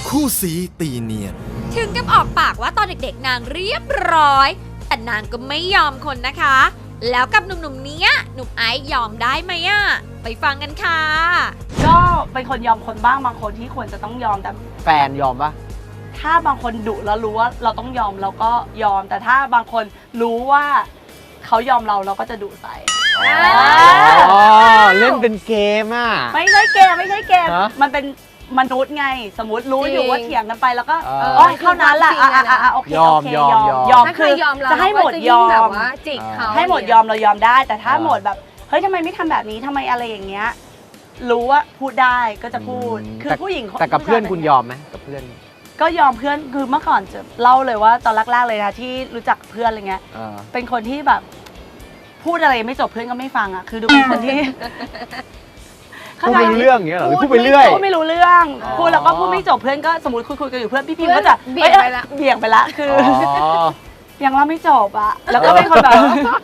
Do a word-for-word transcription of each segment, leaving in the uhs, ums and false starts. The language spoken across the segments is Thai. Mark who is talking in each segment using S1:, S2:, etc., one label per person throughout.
S1: คู่สีตีเนียน
S2: ถึงกับออกปากว่าตอนเด็กๆนางเรียบร้อยแต่นางก็ไม่ยอมคนนะคะแล้วกับหนุ่มๆเนี้ยหนุ่มไอซ์ยอมได้ไหมอะไปฟังกันค่ะ
S3: ก็เป็นคนยอมคนบ้างบางคนที่ควรจะต้องยอมแต่
S4: แฟนยอมปะ
S3: ถ้าบางคนดุแล้วรู้ว่าเราต้องยอมเราก็ยอมแต่ถ้าบางคนรู้ว่าเขายอมเราเราก็จะดุใส่
S4: อ๋อเล่นเป็นเกมอ่ะ
S3: ไม่ใช่เกมไม่ใช่เกมมันเป็นมนุษย์ไงสมมติรู้อยู่ว่าเถียงกันไปแล้วก็อ๋อเท่านั้นแหละอ่ะอ่ะโอเคโอเคยอมยอมคือจะให้หมดยอมให้หมดยอมเรายอมได้แต่ถ้าหมดแบบเฮ้ยทำไมไม่ทำแบบนี้ทำไมอะไรอย่างเงี้ยรู้ว่าพูดได้ก็จะพูดคือผู้หญิง
S4: แต่กับเพื่อนคุณยอมไหมกับเพื่อน
S3: ก็ยอมเพื่อนคือเมื่อก่อนจะเล่าเลยว่าตอนแรกๆเลยนะที่รู้จักเพื่อนอะไรเงี้ยเป็นคนที่แบบพูดอะไรไม่จบเพื่อนก็ไม่ฟังอ่ะคือดูเป็นคนที่
S4: พูดไม่รู้เรื่องอย่างเงี้ยหรอพูดไปเรื่อย
S3: พูดไม่รู้เรื่องพูดแล้วก็พูดไม่จบเพื่อนก็สมมติคุยคุยกันอยู่เพื่อนพี่พิมก็จะเบี่ยงไปละเบี่ยงไปละคือยังเล่าไม่จบอ่ะแล้วก็เป็นคนแบบ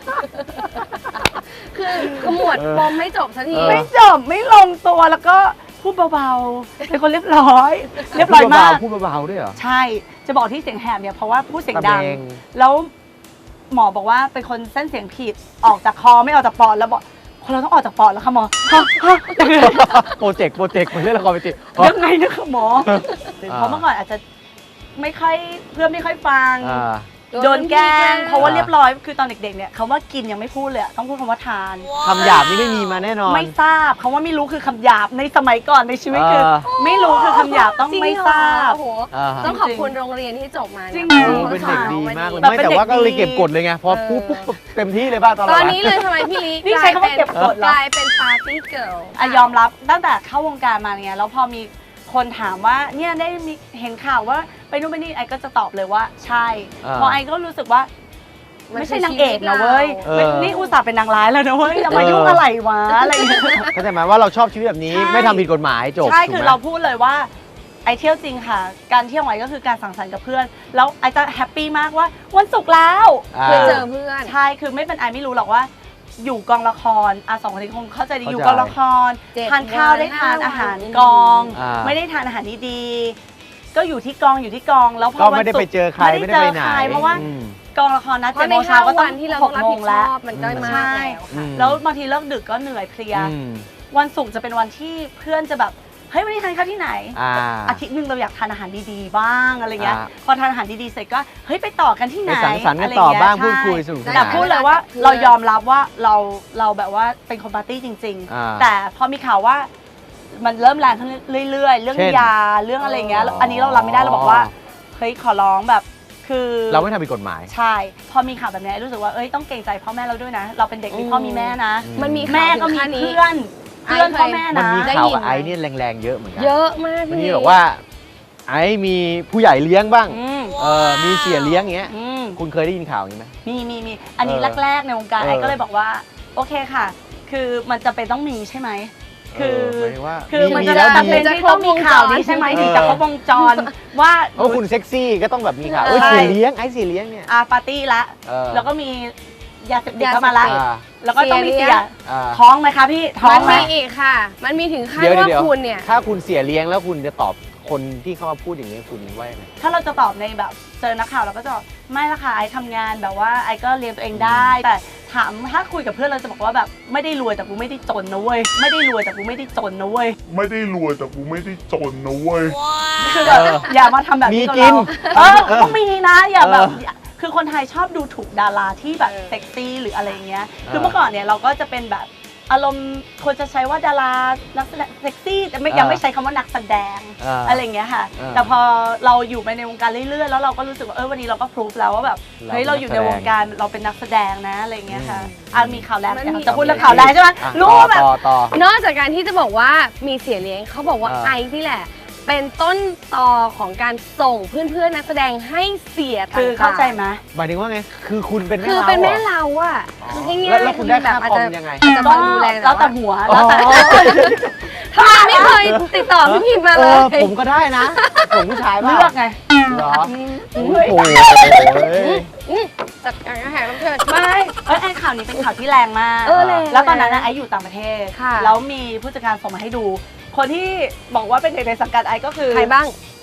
S5: คือขมวดปมไม่จบสักที
S3: ไม่จบไม่ลงตัวแล้วก็พูดเบาๆเป็นคนเรียบร้อยเรียบร้อยมาก
S4: พูดเบาๆด้วยเหรอ
S3: ใช่จะบอกที่เสียงแหบเนี่ยเพราะว่าพูดเสียงดังแล้วหมอบอกว่าเป็นคนเส้นเสียงผิดออกจากคอไม่ออกจากปอดแล้วบอกคนเราต้องออกจากปอดแล้วค่ะหมอ
S4: โปรเจกต์โปรเจกต์มันเล่นละครไปติ
S3: ยังไงนะคะหมอเพราะเมื่อก่อนอาจจะไม่ค่อยเพื่อนไม่ค่อยฟังโดนแกล้งเพราะว่าเรียบร้อยคือตอนเด็กๆเนี่ยคำว่ากินยังไม่พูดเลยต้องพูดคำว่าทาน
S4: คำหยาบนี่ไม่มีมาแน่นอน
S3: ไม่ทราบคำว่าไม่รู้คือคำหยาบในสมัยก่อนในชีวิตคือไม่รู้คือคำหยาบต้องไม่ทราบ
S5: ต้องขอบคุณโรงเรียนที่จบมา
S3: จริง
S4: ๆเป็นเด็กดีมากเลยไม่แต่ว่าก็เลยเก็บกดเลยไงพอพูดปุ๊บเต็มที่เลยป่ะตอน
S5: ตอนนี้เลยทำไมพี่ลิ
S3: นี่ใช้คำว่าเก็บกด
S5: กลายเป็นปาร์ตี้เกิร์ล
S3: อะยอมรับตั้งแต่เข้าวงการมาเนี่ยแล้วพอมีคนถามว่าเนี่ยได้มีเห็นข่าวว่าไปนู่นไปนี่ไอก็จะตอบเลยว่าใช่เพราะไอก็รู้สึกว่าไม่ใช่นางเอกนะเว้ยนี่อุตส่าห์เป็นนางร้ายแล้วนะเว้ยจะมายุ่งอะไรวะอะไรอย่างเงี้ย
S4: เข้าใจไหมว่าเราชอบชีวิตแบบนี้ไม่ทำผิดกฎหมายจบ
S3: ใช่คือเราพูดเลยว่าไอเที่ยวจริงค่ะการเที่ยวไอก็คือการสังสรรค์กับเพื่อนแล้วไอจะแฮปปี้มากว่าวันศุกร์แล้ว
S5: ไปเจอเพื่อน
S3: ใช่คือไม่เป็นไอไม่รู้หรอกว่าอยู่กองละครอาสองคนนี้คงเข้าใจดีอยู่กองละครทานข้าวได้ทานอาหารกองไม่ได้ทานอาหารดีๆก็อยู่ที่กองอยู่ที่กองแล้วพอวันศุกร์
S4: ไม่ได้ไปเจอใครไม่ได้ไปไหน
S3: เพราะว่ากองละครนัดเจ็ดโมงเช้าก็ต้องหกโมงแล้ว
S5: มันได้มากแล้ว
S3: แล้วบางทีเลิกดึกก็เหนื่อยเพลียวันศุกร์จะเป็นวันที่เพื่อนจะแบบเฮ้ยวันนี้ทานข้าวที่ไหนอาทิตย์หนึ่งเราอยากทานอาหารดีๆบ้างอะไรเงี้ยพอทานอาหารดีๆเสร็จก็เฮ้ยไปต่อกันที่ไหน
S4: สังสรรค์กันต่อบ้างพูดคุยสนุกสนาน
S3: แต่พูดเลยว่าเรายอมรับว่าเราเราแบบว่าเป็นคนปาร์ตี้จริงๆแต่พอมีข่าวว่ามันเริ่มแรงขึ้นเรื่อยๆเรื่องยาเรื่องอะไรเงี้ยอันนี้เรารับไม่ได้เราบอกว่าเฮ้ยขอร้องแบบคือ
S4: เราไม่ทำผิดกฎหมาย
S3: ใช่พอมีข่าวแบบนี้รู้สึกว่าเอ้ยต้องเกรงใจพ่อแม่เราด้วยนะเราเป็นเด็กมีพ่อมีแม่นะ
S5: มันมี
S3: แม่ก็มีเพื่อนเพื่อนพ่อแม่นะ
S4: มันมีข่าวกับไอ้นี่แรงๆเยอะเหมือนกัน
S5: เยอะมาก
S4: มันมีบอกว่าไอ้มีผู้ใหญ่เลี้ยงบ้างเออมีเสียเลี้ยงอย่างเงี้ยคุณเคยได้ยินข่าวอย่างนี้ไหม
S3: มีมีมีอันนี้แรกๆในวงการไอ้ก็เลยบอกว่าโอเคค่ะคือมันจะเป็นต้องมีใช่ไหมคือคือมันจะจำเป็นที่ต้องมีข่าวนี้ใช่ไหมถึงจะครบวงจรว่า
S4: โอ้คุณเซ็กซี่ก็ต้องแบบมีข่าวเอ้ยเสียเลี้ยงไอ้เสียเลี้ยงเนี่ย
S3: อาปาร์ตี้ละแล้วก็มียาเสพติดเข้ามาละแล้วก็ต้องมีเสียท้องไหมคะพี่ท้อง
S5: ไหมมันมีอีกค่ะมันมีถึงขั้นว่าคุณเนี่ย
S4: ถ้าคุณเสียเลี้ยงแล้วคุณจะตอบคนที่เขามาพูดอย่างนี้คุณว่าไง
S3: ถ้าเราจะตอบในแบบเจอนักข่าวเราก็จะไม่ละค่ะไอ้ทำงานแบบว่าไอ้ก็เลี้ยงตัวเองได้แต่ถามถ้าคุยกับเพื่อนเราจะบอกว่าแบบไม่ได้รวยแต่กูไม่ได้จนนะเว้ยไม่ได้รวยแต่กูไม่ได้จนนะเว้ย
S6: ไม่ได้รวยแต่กูไม่ได้จนนะเว้ย
S3: คือแบบอย่ามาทำแบบนี้กับเราเออต้องมีนะอย่าแบบคือคนไทยชอบดูถูกดาราที่แบบเซ็กซี่หรืออะไรเงี้ยคือเมื่อก่อนเนี่ยเราก็จะเป็นแบบอารมณ์ควรจะใช้ว่าดารานักแสดงเซ็กซี่แต่ไม่ยังไม่ใช้คำว่านักแสดงอะไรเงี้ยค่ะแต่พอเราอยู่ไปในวงการเรื่อยๆแล้วเราก็รู้สึกว่าเออวันนี้เราก็พรูฟแล้วว่าแบบเฮ้ยเราอยู่ในวงการเราเป็นนักแสดงนะอะไรเงี้ยค่ะอ่ะมีข่าวแรกจะพูดเรื่องข่าวแรกใช่ไหมรู้แบบ
S5: นอกจากการที่จะบอกว่ามีเสียเลี้ยงเขาบอกว่าไอซ์นี่แหละเป็นต้นตอของการส่งเพื่อนๆนักแสดงให้เสียต่างๆ
S3: คือเข้าใจไหม
S4: หมายถึงว่าไงคือคุณเป็นแม่เรา
S5: คือเป็นแม่เราอะคือง่าย
S4: ๆแล้วคุณได้ค่าคอมยังไง
S3: อาจจะมาดูแลแล้วแต่หัวแล้วแต่
S5: ทำไมไม่เคยติดต่อพี่พิมมาเลย
S4: ผมก็ได้นะผมผู้ชาย
S3: เลือกไง
S4: เหรอโอ้โห
S5: จัดการแหกรับเชิญ
S3: ไม่เอ้ยไอ้ข่าวนี้เป็นข่าวที่แรงมากแล้วตอนนั้นไอ้อยู่ต่างประเทศแล้วมีผู้จัดการส่งมาให้ดูคนที่บอกว่าเป็นเด็กในสังกัดไอก็คือ
S5: ใครบ้าง
S3: เอ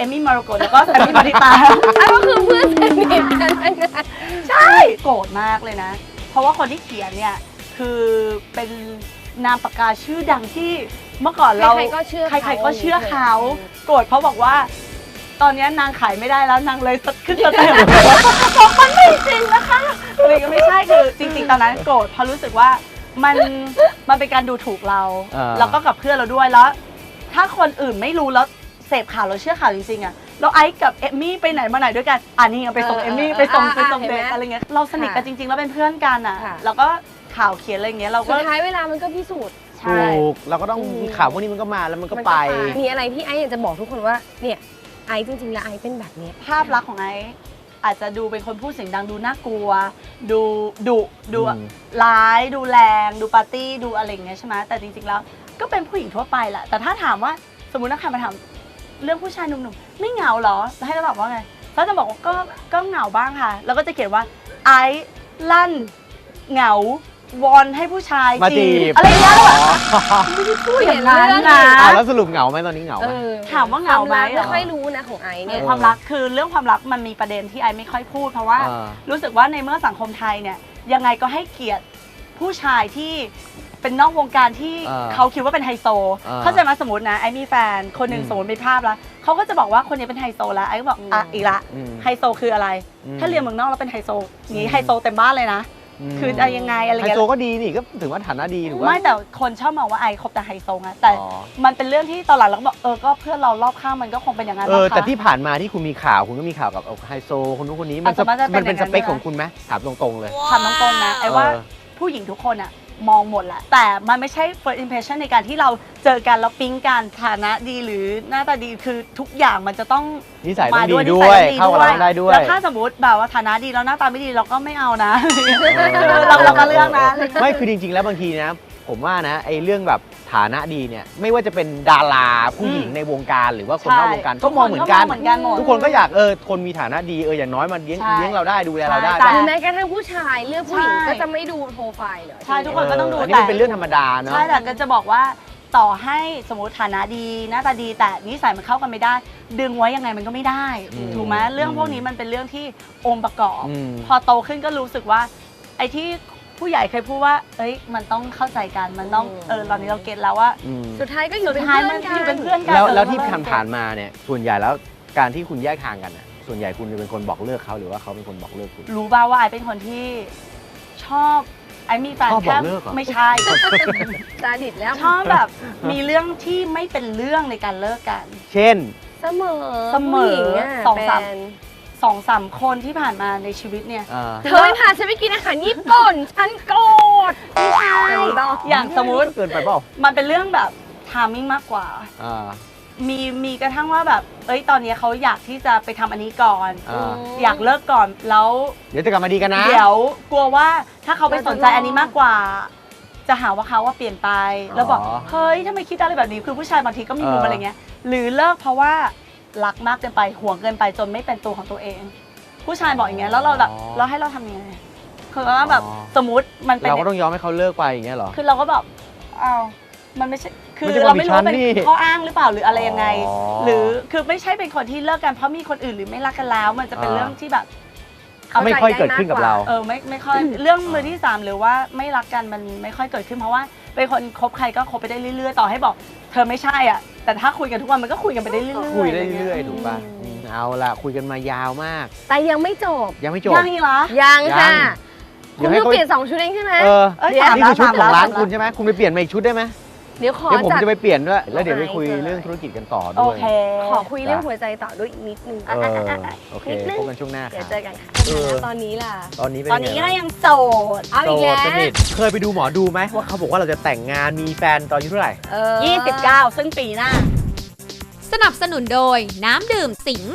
S3: เอมมี่มาโรโกแล้วก็แซมมี่มาริตา
S5: อ่ะก็คือเพื่อนสนิทกันทั้งนั้น
S3: ใช่โกรธมากเลยนะ เพราะว่าคนที่เขียนเนี่ยคือเป็นนามปากกาชื่อดังที่เมื่อก่อนเรา
S5: ใครๆก็เชื่อเขา
S3: ใครๆก็เชื่อเขาโกรธเพราะบอกว่า ตอนนี้นางขายไม่ได้แล้วนางเลยขึ้นสเต็ปบอกมันไม่จริงนะคะเลยก็ไม่ใช่คือจริงๆตอนนั้นโกรธเพราะรู้สึกว่ามันมันเป็นการดูถูกเรา
S4: อ่า
S3: แล้วก็กับเพื่อนเราด้วยแล้ว ถ้าคนอื่นไม่รู้แล้วเสพข่าวเราเชื่อข่าวจริงๆอะเราไอซ์กับเอมมี่ไปไหนมาไหนด้วยกันอ่านี่ไงไปส่งเอมมี่ไปส่งไปส่งเด็กอะไรเงี้ยเราสนิทกันจริงๆแล้วเป็นเพื่อนกันอะแล้วก็ข่าวเขียนอะไรเงี้ยเรา
S5: สุ
S3: ก็
S5: ดท้ายเวลามันก็พิสูจน์
S3: ใช่
S4: ถูกเราก็ต้อง
S5: อืม
S4: ข่าวพวกนี้มันก็มาแล้วมันก็ไป
S5: มีอะไรที่ไอซ์อยากจะบอกทุกคนว่าเนี่ยไอซ์จริงๆแล้วไอซ์เป็นแบบเนี้ย
S3: ภาพลักษณ์ของไอซ์อาจจะดูเป็นคนพูดเสียงดังดูน่ากลัว ดูดุดู
S4: อืม
S3: ร้ายดูแรงดูปาร์ตี้ดูอะไรอย่างเงี้ยใช่ไหมแต่จริงๆแล้วก็เป็นผู้หญิงทั่วไปแหละแต่ถ้าถามว่าสมมุตินักข่าวมาถามเรื่องผู้ชายหนุ่มๆไม่เหงาเหรอแล้วให้เราตอบว่าไงเราจะบอกว่าก็ก็เหงาบ้างค่ะ แล้วก็จะเขียนว่าไอซ์ลั่นเหงาวอนให้ผู้ชาย
S4: มาจีบ
S3: อะไรอย่างเงี้ยแล้วแบบ
S4: อ๋อ
S3: ไม่ได้พูดอย่างนั้น
S5: เปลี่ยนเรื่อง
S3: นะ
S4: อ่ะแล้วสรุปเหงาไหมตอนนี้เหงาไห
S5: เอ
S4: ม
S5: อ
S3: ถามว่าเหงาไหม
S5: ควรักไม่ค่อยรู้นะของไอซ์
S3: ใน
S5: เนี่ย
S3: ความรักคือเรื่องความรักมันมีประเด็นที่ไอไม่ค่อยพูดเพราะว่า
S4: อ่า
S3: รู้สึกว่าในเมื่อสังคมไทยเนี่ยยังไงก็ให้เกียรติผู้ชายที่เป็นนอกวงการที่
S4: อ่า
S3: เขาคิดว่าเป็นไฮโซ
S4: อ่า
S3: เข้าใจไหมาสมมตินะไอมีแฟนคนหนึ่ง
S4: อืม
S3: สมมติเป็นภาพแล้วเขาก็จะบอกว่าคนนี้เป็นไฮโซแล้วไอก็บอกอ่ะอีกละ
S4: อืม
S3: ไฮโซคืออะไร
S4: อืม
S3: ถ้าเรียนเมืองนอกแล้วเป็นไฮโซนี้
S4: อืม
S3: ไฮโซเต็มบ้านเลยนะ
S4: ม
S3: คือจะยังไงอะไร
S4: ไฮ
S3: เงี้ย
S4: โซก็ดีนี่ก็ถือว่าฐานะดีถูกป่ะ
S3: ไม่แต่คนชอบมองว่าไอคบแต่ไฮโซไงแต่
S4: อ๋อ
S3: มันเป็นเรื่องที่ตอนหลังเราก็บอกเออก็เพื่อนเรารอบข้างมันก็คงเป็นอย่างนั้น
S4: เออ
S3: มั้งคะ
S4: แต่ที่ผ่านมาที่คุณมีข่าวคุณก็มีข่าวกับไฮโซคนนู้นคนนี้มัน
S3: อ่ะส่วนมากจะเป็น
S4: มันเป็น
S3: อย่าง
S4: ส
S3: นั้น
S4: เปค
S3: ใช่ไหม
S4: ของคุณไหมถามตรงๆเลย
S3: ถามตรงๆนะไอ้ว่า
S4: เออ
S3: ผู้หญิงทุกคนอะมองหมดแหละ แต่มันไม่ใช่ first impression ในการที่เราเจอกันแล้วปิ๊งกันฐานะดีหรือหน้าตาดีคือทุกอย่างมันจะต้อง
S4: นิสัยต้องดี
S3: มา
S4: ด้
S3: นิ
S4: ว
S3: สั
S4: ย
S3: ต้อง
S4: เข้ากับเราได้ด้วย
S3: แล้วถ้าสมมติแบบว่าฐานะดีแล้วหน้าตาไม่ดีเราก็ไม่เอานะคือเราเราก็เลือกนะ
S4: ไม่คือจริงๆ แล้วบางทีนะ ผมว่านะไอ้เรื่องแบบฐานะดีเนี่ยไม่ว่าจะเป็นดาราผู้หญิงในวงการหรือว่าคนนอกวงการก็มองเหมือนกัน
S3: เหมือนกันหมด
S4: ทุกคนก็อยากเออคนมีฐานะดีเอออย่างน้อยมันเลี้ยง
S3: ใช่
S4: เลี้ยงเราได้ดูแลเราได้
S3: ใช่
S5: หรือแม้กระทั่งผู้ชายเลือกผู้หญิง
S3: ใช่
S5: ก็จะไม่ดูโปรไฟล์เลย
S3: ใช่ทุกคนก็ต้องดู
S4: อันนี้
S3: แต่
S4: มันเป็นเรื่องธรรมดาเนาะ
S3: ใช่แต่ก็จะบอกว่าต่อให้สมมติฐานะดีหน้าตาดีแต่นิสัยมันเข้ากันไม่ได้ ดึงไว้ยังไงมันก็ไม่ได้
S4: อืม
S3: ถูกไหมเรื่องพวกนี้มันเป็นเรื่องที่องค์ประกอบ
S4: อืม
S3: พอโตขึ้นก็รู้สึกว่า ไอ้ที่ผู้ใหญ่เคยพูดว่า เอ้ยมันต้องเข้าใจกันมันต้องเออตอนนี้เราเก็ตแล้วว่า
S4: อืม
S5: สุดท้ายก็อยู่
S3: สุด
S5: เป็น
S3: ท้าย
S5: เพื่
S3: มั
S5: อน นกัน
S3: อยู่เป็นเพื่อนกัน
S4: แล้ว
S3: เออ
S4: แล้วที่
S3: เร
S4: ผ่านผ่านๆมาเนี่ยส่วนใหญ่แล้วการที่คุณแยกทางกันน่ะส่วนใหญ่คุณจะเป็นคนบอกเลิกเขาหรือว่าเขาเป็นคนบอกเลิกคุณ
S3: รู้ป่าวว่าไอเป็นคนที่ชอบไอมีแฟน
S4: ชอบบอก
S3: แค่
S4: เลิกเหรอ
S3: ไม่ใช่
S5: ตาดิดแล้ว
S3: ชอบแบบมีเรื่องที่ไม่เป็นเรื่องในการเลิกกัน
S4: เช่น
S5: เสมอ
S3: เสมอ
S5: ผู้หญิงะ
S3: สองสาม
S5: แฟน
S3: สองสามคนที่ผ่านมาในชีวิตเนี่ย
S4: อ่า
S5: เธอไม่พาฉันไปกินอาหารญี่ปุ่น ฉันโกรธไม่ใช่
S3: อย่างสมมุติ
S4: เกินไปเปล่า
S3: มันเป็นเรื่องแบบทามมิ่งมากกว่า
S4: อ่า
S3: มีมีกระทั่งว่าแบบ เอ้ยตอนนี้เขาอยากที่จะไปทำอันนี้ก่อน
S4: อ่า
S3: อยากเลิกก่อนแล้ว
S4: เดี๋ยวจะกลับมาดีกันนะ
S3: เดี๋ยวกลัวว่าถ้าเขาไปสนใจอันนี้มากกว่า จะหาว่าเขาว่าเปลี่ยนไป แล้วบอก
S4: อ๋อ
S3: เฮ้ยทำไมคิดอะไรแบบนี้คือผู้ชายบางทีก็มีมุม
S4: เอออ
S3: อะไรเงี้ยหรือเลิกเพราะว่ารักมากเกินไปห่วงเกินไปจนไม่เป็นตัวของตัวเอง ผู้ชายบอกอย่างเงี้ยแล้วเราแบบเราให้เราทำยังไงคือว่าแบบสมมติมันเป็น
S4: เราก็ต้องยอมให้เขาเลิกไปอย่างเงี้ยเหรอ
S3: คือเราก็แบบอ้าวมันไม่ใช่คือ
S4: ไม่ใช่
S3: เราไม่รู้ว่าเป็น
S4: ความผิดฉันนี่
S3: ข้ออ้างหรือเปล่าหรืออะไรยังไง
S4: อ๋อ
S3: หรือคือไม่ใช่เป็นคนที่เลิกกันเพราะมีคนอื่นหรือไม่รักกันแล้ว มันจะเป็น
S4: อ่า
S3: เรื่องที่แบบ
S4: ไม่ค่อยเกิดขึ้นกับเรา
S3: เออไม่ไม่ค่อยเรื่องมือที่สามหรือว่าไม่รักกันมันไม่ค่อยเกิดขึ้นเพราะว่าเป็นคนคบใครก็คบไปได้เรื่อยๆต่อให้บอก เธอไม่ใช่อ่ะแต่ถ้าคุยกันทุกวันมันก็คุยกันไปได้เรื่อยๆ
S4: คุยได้
S3: ะงงี้
S4: เรื่อยๆถูกป่ะอืมเอาล่ะคุยกันมายาวมาก
S5: แต่ยังไม่จบ
S4: ยังไม่จบ
S3: ยังอีกเหรอ
S5: ยังค่ะ
S4: ยั
S5: คุ
S4: ง
S5: ณ
S4: เดี๋ยวให้
S5: เพิ่ง
S4: เขา
S5: เปลี่ยนสองชุดเองใช่ไหม
S4: เออ
S3: เอ้ย
S5: เดี๋ยว
S3: สาม
S4: นี่
S3: แล้ว
S4: คือชุด
S3: สาม
S4: ข
S3: แล้
S4: อ
S3: ว
S4: งร้าน
S3: สามแล้ว
S4: คุณใช่ไหมคุณไปเปลี่ยนมาอีกชุดได้ไหม
S5: เดี๋ยวขอ
S4: เดี๋ยวผม
S5: จัด
S4: จะไปเปลี่ยนด้วยแล้วเดี๋ยวไปคุย
S5: ไอซ์
S4: เรื่องธุรกิจกันต่อ
S3: โอ
S4: ด้วย
S3: เค
S5: ขอคุยเรื่องหัวใจต่อด้วยอีกนิดนึง
S4: เออโอเค
S5: นิดนึง
S4: พบกันช่วงหน้าค
S5: เดี๋ย
S4: รั
S5: ว
S4: บ
S5: เจอกันค่ะ
S4: เออ
S5: แล้วตอนนี้ล่ะ
S4: ตอนนี้เป็น
S3: ตอนนี้
S4: ไง
S3: ก็
S4: บ้าง
S3: ยังโสด
S5: เอาอีกแล้ว
S4: โสดสนิทเคยไปดูหมอดูไหมว่าเขาบอกว่าเราจะแต่งงานมีแฟนตอนอายุเท่าไหร่
S5: เออ
S3: ยี่สิบเก้าซึ่งปีหน้า
S2: สนับสนุนโดยน้ำดื่มสิงห์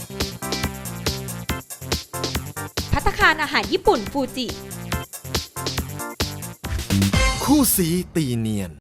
S2: ภัตตาคารอาหารญี่ปุ่นฟูจิ
S1: คู่สีตีเนียน